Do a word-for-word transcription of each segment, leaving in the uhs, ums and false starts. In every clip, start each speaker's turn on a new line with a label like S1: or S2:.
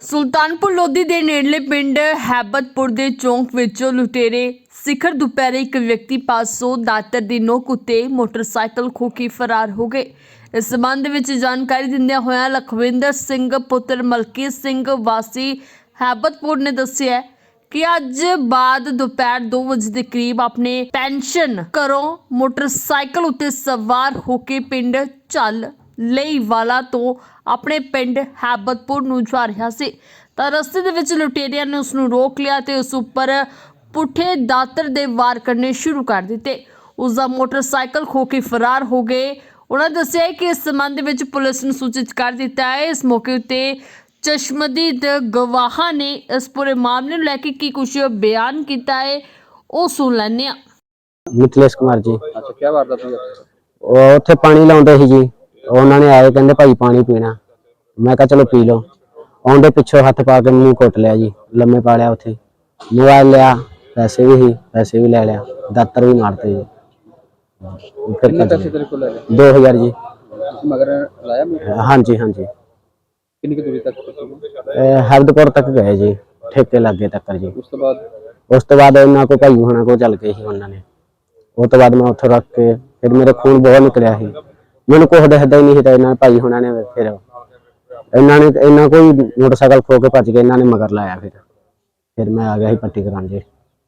S1: ਸੁਲਤਾਨਪੁਰ ਲੋਧੀ ਦੇ ਨੇੜਲੇ ਪਿੰਡ ਹੈਬਤਪੁਰ ਦੇ ਚੌਂਕ ਵਿੱਚੋਂ ਲੁਟੇਰੇ ਸਿਖਰ ਦੁਪਹਿਰੇ ਇੱਕ ਵਿਅਕਤੀ ਪਾਸੋਂ ਦਾਤਰ ਦੀ ਨੋਕ ਉੱਤੇ ਮੋਟਰਸਾਈਕਲ ਖੋਹ ਕੇ ਫਰਾਰ ਹੋ ਗਏ। ਇਸ ਸੰਬੰਧ ਵਿੱਚ ਜਾਣਕਾਰੀ ਦਿੰਦਿਆਂ ਹੋਇਆਂ ਲਖਵਿੰਦਰ ਸਿੰਘ ਪੁੱਤਰ ਮਲਕੀਤ ਸਿੰਘ ਵਾਸੀ ਹੈਬਤਪੁਰ ਨੇ ਦੱਸਿਆ ਕਿ ਅੱਜ ਬਾਅਦ ਦੁਪਹਿਰ ਦੋ ਵਜੇ ਦੇ ਕਰੀਬ ਆਪਣੇ ਪੈਨਸ਼ਨ ਘਰੋਂ ਮੋਟਰਸਾਈਕਲ ਉੱਤੇ ਸਵਾਰ ਹੋ ਕੇ ਪਿੰਡ ਚੱਲ ਲਈ ਵਾਲਾ ਤੋਂ ਆਪਣੇ ਪਿੰਡ ਹੈਬਤਪੁਰ ਨੂੰ ਜਾ ਰਿਹਾ ਸੀ ਤਾਂ ਰਸਤੇ ਦੇ ਵਿੱਚ ਲੁਟੇਰਿਆਂ ਨੇ ਉਸ ਨੂੰ ਰੋਕ ਲਿਆ ਤੇ ਉਸ ਉੱਪਰ ਪੁੱਠੇ ਦਾਤਰ ਦੇ ਵਾਰ ਕਰਨੇ ਸ਼ੁਰੂ ਕਰ ਦਿੱਤੇ। ਉਸ ਦਾ ਮੋਟਰਸਾਈਕਲ ਖੋ ਕੇ ਫਰਾਰ ਹੋ ਗਏ। ਉਹਨਾਂ ਦੱਸਿਆ ਕਿ ਇਸ ਸੰਬੰਧ ਵਿੱਚ ਪੁਲਿਸ ਨੂੰ ਸੂਚਿਤ ਕਰ ਦਿੱਤਾ ਹੈ। ਇਸ ਮੌਕੇ ਉੱਤੇ ਚਸ਼ਮਦੀਦ ਗਵਾਹਾਂ ਨੇ ਇਸ ਪੂਰੇ ਮਾਮਲੇ ਨੂੰ ਲੈ ਕੇ ਕੀ ਕੁਝ ਬਿਆਨ ਕੀਤਾ ਹੈ ਉਹ ਸੁਣ ਲੈਂਦੇ ਹਾਂ।
S2: मिथिलेश कुमार जी
S3: अच्छा क्या वारदात हुई आपके साथ?
S2: ਉਹ ਉੱਥੇ ਪਾਣੀ ਲਾਉਂਦੇ ਸੀ ਜੀ। ਉਹਨਾਂ ਨੇ ਆਏ ਕਹਿੰਦੇ ਭਾਈ ਪਾਣੀ ਪੀਣਾ। ਮੈਂ ਕਿਹਾ ਚਲੋ ਪੀ ਲਓ। ਆਉਂਦੇ ਪਿੱਛੋਂ ਹੱਥ ਪਾ ਕੇ ਮੈਨੂੰ ਕੁੱਟ ਲਿਆ ਜੀ, ਲੰਮੇ ਪਾ ਲਿਆ। ਉੱਥੇ ਮੋਬਾਈਲ ਲਿਆ, ਪੈਸੇ ਵੀ ਸੀ, ਪੈਸੇ ਵੀ ਲੈ ਲਿਆ, ਦਾਤਰ ਵੀ ਮਾਰਤੇ ਜੀ। ਫਿਰ
S3: कितने पैसे तेरे को ले गए?
S2: दो हजार जी।
S3: मगर लाया मैं
S2: हाँ जी हाँ जी।
S3: कितनी की दूरी तक पहुंचे?
S2: ਹੈਬਤਪੁਰ ਤੱਕ ਗਏ ਜੀ, ਠੇਕੇ ਲੱਗੇ ਤੱਕ ਜੀ।
S3: उस तो बाद
S2: ਉਸ ਤੋਂ ਬਾਅਦ ਇਹਨਾਂ ਕੋ ਭਾਈ ਹੋਣਾ ਕੋ ਚੱਲ ਗਏ ਸੀ ਉਹਨਾਂ ਨੇ। ਉਹ ਤੋਂ ਬਾਅਦ ਮੈਂ ਉੱਥੇ ਰੱਖ ਕੇ ਫਿਰ ਮੇਰੇ ਖੂਨ ਬਹੁਤ ਨਿਕਲਿਆ ਸੀ। ਮੈਨੂੰ ਕੁਛ ਦਿਖਦਾ ਹੀ ਨਹੀਂ ਸੀ ਤਾਂ ਇਹਨਾਂ ਭਾਈ ਹੋਣਾ ਨੇ ਫਿਰ ਇਹਨਾਂ ਨੇ ਇਹਨਾਂ ਕੋਈ ਮੋਟਰਸਾਈਕਲ ਖੋ ਕੇ ਭੱਜ ਗਏ। ਇਹਨਾਂ ਨੇ ਮਗਰ ਲਾਇਆ। ਫਿਰ ਫਿਰ ਮੈਂ ਆ ਗਿਆ ਸੀ ਪੱਟੀ ਕਰਾਉਣ ਜੀ।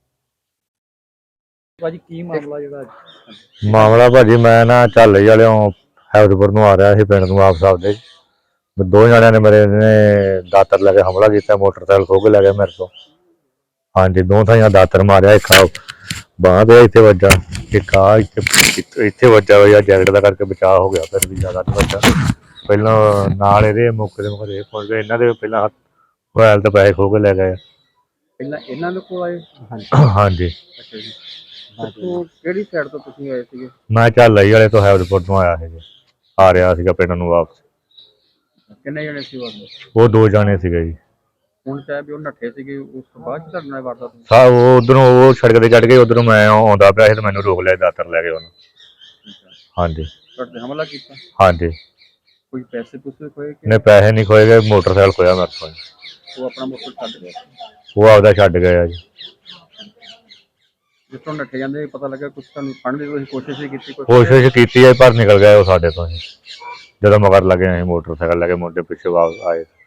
S3: भाजी की मामला जेड़ा
S4: ਮਾਮਲਾ ਭਾਜੀ ਮੈਂ ਨਾ ਝਾਲੇ ਵਾਲਿਓਂ ਹੈਬਤਪੁਰ ਨੂੰ ਆ ਰਿਹਾ ਸੀ ਪਿੰਡ ਨੂੰ ਵਾਪਸ ਆਪਦੇ। ਦੋ ਜਣਿਆਂ ਨੇ ਮੇਰੇ ਨੇ ਦਾਤਰ ਲੈ ਕੇ ਹਮਲਾ ਕੀਤਾ, ਮੋਟਰਸਾਈਕਲ ਖੋਹ ਕੇ ਲੈ ਗਏ ਮੇਰੇ ਤੋਂ। ਹਾਂਜੀ, ਦੋ ਥਾਈਆਂ ਦਾਤਰ ਮਾਰਿਆ, ਇੱਕ ਬਾਂਹ ਦੇ ਇੱਥੇ ਵੱਜਾ, ਇੱਕ ਆ ਇੱਥੇ ਇੱਥੇ ਵੱਜਾ ਹੋਇਆ। ਜੈਕਟ ਦਾ ਕਰਕੇ ਬਚਾਅ ਹੋ ਗਿਆ, ਫਿਰ ਵੀ ਜ਼ਿਆਦਾ ਨਹੀਂ ਵੱਜਾ। ਪਹਿਲਾਂ ਨਾਲ ਇਹਦੇ ਮੌਕੇ ਦੇ ਮੌਕੇ ਦੇ ਪਹੁੰਚ ਗਏ। ਇਹਨਾਂ ਦੇ ਪਹਿਲਾਂ ਮੋਬਾਈਲ ਤੇ ਪੈਸੇ ਖੋਹ ਕੇ ਲੈ ਗਏ।
S3: ਪਹਿਲਾਂ ਇਹਨਾਂ ਦੇ ਕੋਲ ਆਏ?
S4: ਹਾਂਜੀ,
S3: ਅੱਛਾ ਜੀ। ਤੋਂ ਕਿਹੜੀ ਸਾਈਡ ਤੋਂ ਤੁਸੀਂ ਆਏ ਸੀਗੇ?
S4: ਮੈਂ ਝਾਲੇ ਵਾਲੇ ਤੋਂ ਹੈਬਤਪੁਰ ਤੋਂ ਆਇਆ ਸੀ, ਆ ਰਿਹਾ ਸੀਗਾ ਪਿੰਡ ਨੂੰ ਵਾਪਸ।
S3: ਕਿੰਨੇ ਜਣੇ ਸੀ ਵਾਰਦਾਤ?
S4: ਉਹ ਦੋ ਜਾਣੇ ਸੀਗੇ ਜੀ।
S3: ਹੁਣ ਚਾਹੇ ਵੀ ਉਹ ਨੱਠੇ ਸੀਗੇ, ਉਸ ਤੋਂ ਬਾਅਦ ਚ ਤੁਹਾਡੇ ਨਾਲ ਵਾਰਦਾਤ ਹੋਈ?
S4: ਸਾ ਉਹ ਉਧਰੋਂ ਉਹ ਸੜਕ ਤੇ ਚੜ ਗਏ, ਉਧਰੋਂ ਮੈਂ ਆਉਂਦਾ ਪਿਆ ਸੀ ਤੇ ਮੈਨੂੰ ਰੋਕ ਲਿਆ, ਦਾਤਰ ਲੈ ਕੇ ਉਹਨੂੰ। ਹਾਂਜੀ
S3: ਤੁਹਾਡੇ ਤੇ ਹਮਲਾ ਕੀਤਾ?
S4: ਹਾਂਜੀ।
S3: ਕੋਈ ਪੈਸੇ ਪੂਸੇ ਖੋਏ ਕਿ
S4: ਨੇ ਪੈਸੇ ਨਹੀਂ ਖੋਏ ਗਏ, ਮੋਟਰਸਾਈਕਲ ਖੋਇਆ ਮੇਰੇ ਤੋਂ।
S3: ਉਹ ਆਪਣਾ ਮੋਟਰ ਛੱਡ ਗਿਆ?
S4: ਉਹ ਆਪਦਾ ਛੱਡ ਗਏ ਆ ਜੀ।
S3: ਜਿਸ ਤੋਂ ਨੱਠੇ ਜਾਂਦੇ ਪਤਾ ਲੱਗਾ ਕੁਛ ਤੁਹਾਨੂੰ ਫੜਨ ਦੀ ਤੁਸੀਂ ਕੋਸ਼ਿਸ਼ ਹੀ ਕੀਤੀ? ਕੋਈ
S4: ਕੋਸ਼ਿਸ਼ ਕੀਤੀ ਹੈ ਪਰ ਨਿਕਲ ਗਏ ਉਹ ਸਾਡੇ ਤੋਂ। ਜਦੋਂ ਮਗਰ ਲੱਗੇ ਅਸੀਂ ਮੋਟਰਸਾਈਕਲ ਲੈ ਕੇ ਮੁੰਡੇ ਪਿੱਛੇ ਵਾਪਸ ਆਏ।